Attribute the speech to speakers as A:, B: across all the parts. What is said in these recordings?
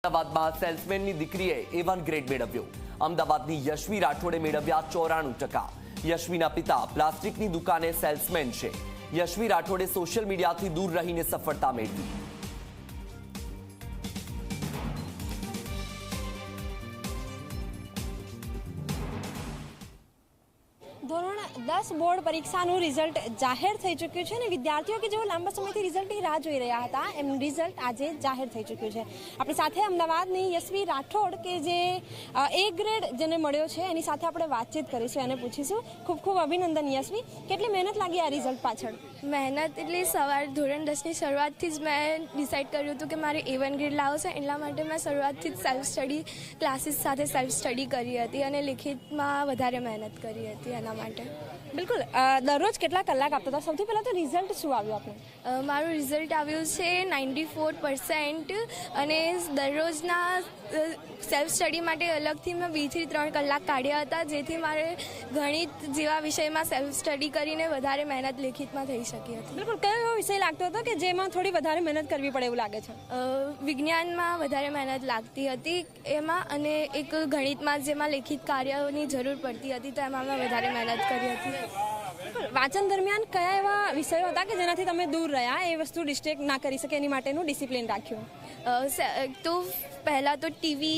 A: અમદાવાદમાં સેલ્સમેનની દીકરીએ A1 grade મેળવ્યો. અમદાવાદની યશવી રાઠોડે મેળવ્યા 94%. યશવીના પિતા પ્લાસ્ટિકની દુકાને સેલ્સમેન છે. યશવી રાઠોડે સોશિયલ મીડિયાથી દૂર રહીને સફળતા મેળવી.
B: ધોરણ 10 બોર્ડ પરીક્ષાનું રિઝલ્ટ જાહેર થઈ ચૂક્યું છે અને વિદ્યાર્થીઓ કે જેઓ લાંબા સમયથી રિઝલ્ટની રાહ જોઈ રહ્યા હતા એમનું રિઝલ્ટ આજે જાહેર થઈ ચૂક્યું છે. આપણી સાથે અમદાવાદની યશવી રાઠોડ કે જે A ગ્રેડ જેને મળ્યો છે એની સાથે આપણે વાતચીત કરીશું અને પૂછીશું. ખૂબ ખૂબ અભિનંદન યશવી. કેટલી મહેનત લાગી આ રિઝલ્ટ પાછળ?
C: મહેનત એટલે સવાર ધોરણ 10ની શરૂઆતથી જ મેં ડિસાઇડ કર્યું હતું કે મારે A1 ગ્રેડ લાવો છે. એટલા માટે મેં શરૂઆતથી જ સેલ્ફ સ્ટડી ક્લાસીસ સાથે સેલ્ફ સ્ટડી કરી હતી અને લિખિતમાં વધારે મહેનત કરી હતી એના માટે.
B: બિલકુલ. દરરોજ કેટલા કલાક આપતા હતા? સૌથી પહેલાં તો રિઝલ્ટ શું આવ્યું આપણે?
C: મારું રિઝલ્ટ આવ્યું છે 94% અને દરરોજના સેલ્ફ સ્ટડી માટે અલગથી મેં 2 થી 3 કલાક કાઢ્યા હતા, જેથી મારે ગણિત જેવા વિષયમાં સેલ્ફ સ્ટડી કરીને વધારે મહેનત લેખિતમાં થઈ શકી હતી.
B: બિલકુલ. કયો એવો વિષય લાગતો હતો કે જેમાં થોડી વધારે મહેનત કરવી પડે એવું લાગે છે?
C: વિજ્ઞાનમાં વધારે મહેનત લાગતી હતી એમાં, અને એક ગણિતમાં જેમાં લેખિત કાર્યોની જરૂર પડતી હતી તો એમાં મેં વધારે મહેનત કરી હતી.
B: વાંચન દરમિયાન કયા એવા વિષયો હતા કે જેનાથી તમે દૂર રહ્યા, એ વસ્તુ ડિસ્ટ્રેક્ટ ના કરી શકે એની માટેનું ડિસિપ્લિન રાખ્યું?
C: તો પહેલાં તો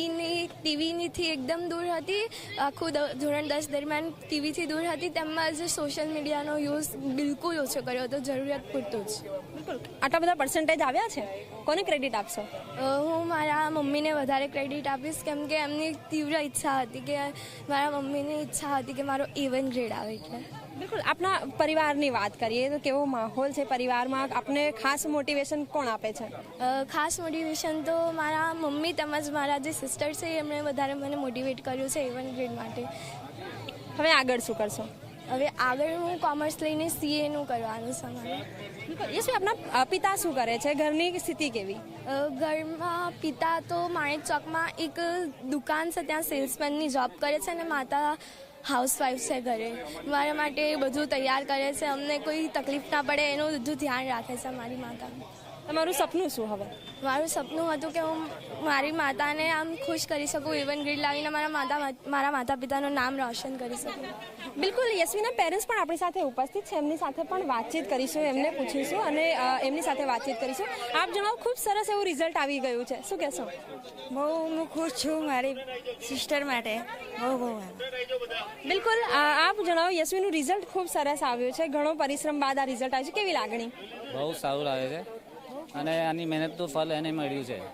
C: ટીવીથી એકદમ દૂર હતી. આખું ધોરણ 10 દરમિયાન ટીવીથી દૂર હતી. તેમજ સોશિયલ મીડિયાનો યુઝ બિલકુલ ઓછો કર્યો હતો, જરૂરિયાત પૂરતું જ.
B: બિલકુલ. આટલા બધા પર્સન્ટેજ આવ્યા છે, કોને ક્રેડિટ આપશો?
C: હું મારા મમ્મીને વધારે ક્રેડિટ આપીશ, કેમ કે એમની તીવ્ર ઈચ્છા હતી કે મારા મમ્મીની ઈચ્છા હતી કે મારો A1 ગ્રેડ આવે. એટલે
B: બિલકુલ. આપના પરિવારની વાત કરીએ તો કેવો માહોલ છે પરિવારમાં? આપને ખાસ મોટિવેશન કોણ આપે છે?
C: ખાસ મોટિવેશન તો મારા મમ્મી તેમજ મારા જે સિસ્ટર છે એમણે વધારે મને મોટિવેટ કર્યું છે A1 ગ્રેડ માટે.
B: હવે આગળ શું કરશો?
C: હવે આગળ હું કોમર્સ લઈને CAનું કરવાનું છે મારે.
B: યશવી, આપના પિતા શું કરે છે? ઘરની સ્થિતિ કેવી?
C: ઘરમાં પિતા તો માણેક ચોકમાં એક દુકાન છે, ત્યાં સેલ્સમેનની જોબ કરે છે, અને માતા હાઉસવાઈફ છે ઘરે. મારા માટે બધું તૈયાર કરે છે, અમને કોઈ તકલીફ ના પડે એનું બધું ધ્યાન રાખે છે મારી માતા.
B: તમારું સપનું શું હવે?
C: મારું સપનું હતું કે હું મારી માતાને આમ ખુશ કરી શકું, A1 ગ્રેડ લાવીને મારા માતા પિતાનું નામ રોશન કરી શકું.
B: બિલકુલ. યશવીના પેરેન્ટ્સ પણ આપણી સાથે ઉપસ્થિત છે, એમની સાથે પણ વાતચીત કરીશું, એમને પૂછીશું અને એમની સાથે વાતચીત કરીશું. આપ જણાવો, ખૂબ સરસ એવું રિઝલ્ટ આવી ગયું છે, શું કહેશો?
D: બહુ હું ખુશ છું મારી સિસ્ટર માટે. બહુ
B: બિલકુલ. આપ જણાવો, યશવીનું રિઝલ્ટ ખૂબ સરસ આવ્યું છે. ઘણો પરિશ્રમ બાદ આ રિઝલ્ટ આવ્યું છે, કેવી લાગણી?
E: બહુ સારું લાગે છે અને આની મહેનત તો ફલ એને મળ્યું છે.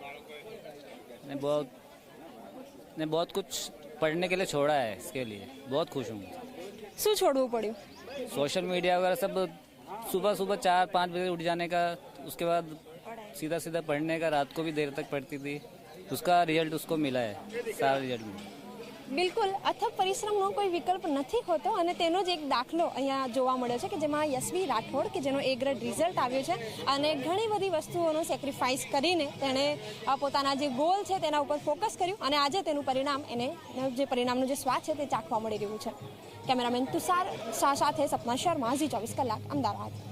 E: ने बहुत कुछ पढ़ने के लिए छोड़ा है, इसके लिए बहुत खुश हूँ.
B: શું છોડવું પડ્યું?
E: सोशल मीडिया वगैरह सब. सुबह 4-5 बजे उठ जाने का, उसके बाद सीधा सीधा पढ़ने का, रात को भी देर तक पढ़ती थी. उसका रिजल्ट उसको मिला है, सारा रिजल्ट मिला.
B: બિલકુલ. અથક પરિશ્રમનો કોઈ વિકલ્પ નથી હોતો અને તેનો જ એક દાખલો અહીંયા જોવા મળ્યો છે કે જેમાં યશવી રાઠોડ કે જેનો A ગ્રેડ રિઝલ્ટ આવ્યું છે અને ઘણી બધી વસ્તુઓનો સેક્રિફાઈસ કરીને તેણે પોતાના જે ગોલ છે તેના ઉપર ફોકસ કર્યું અને આજે તેનું પરિણામ જે પરિણામનો જે સ્વાદ છે તે ચાખવા મળી રહ્યું છે. કેમેરામેન તુષાર શાહ સાથે સપના શર્મા, Zee 24 કલાક, અમદાવાદ.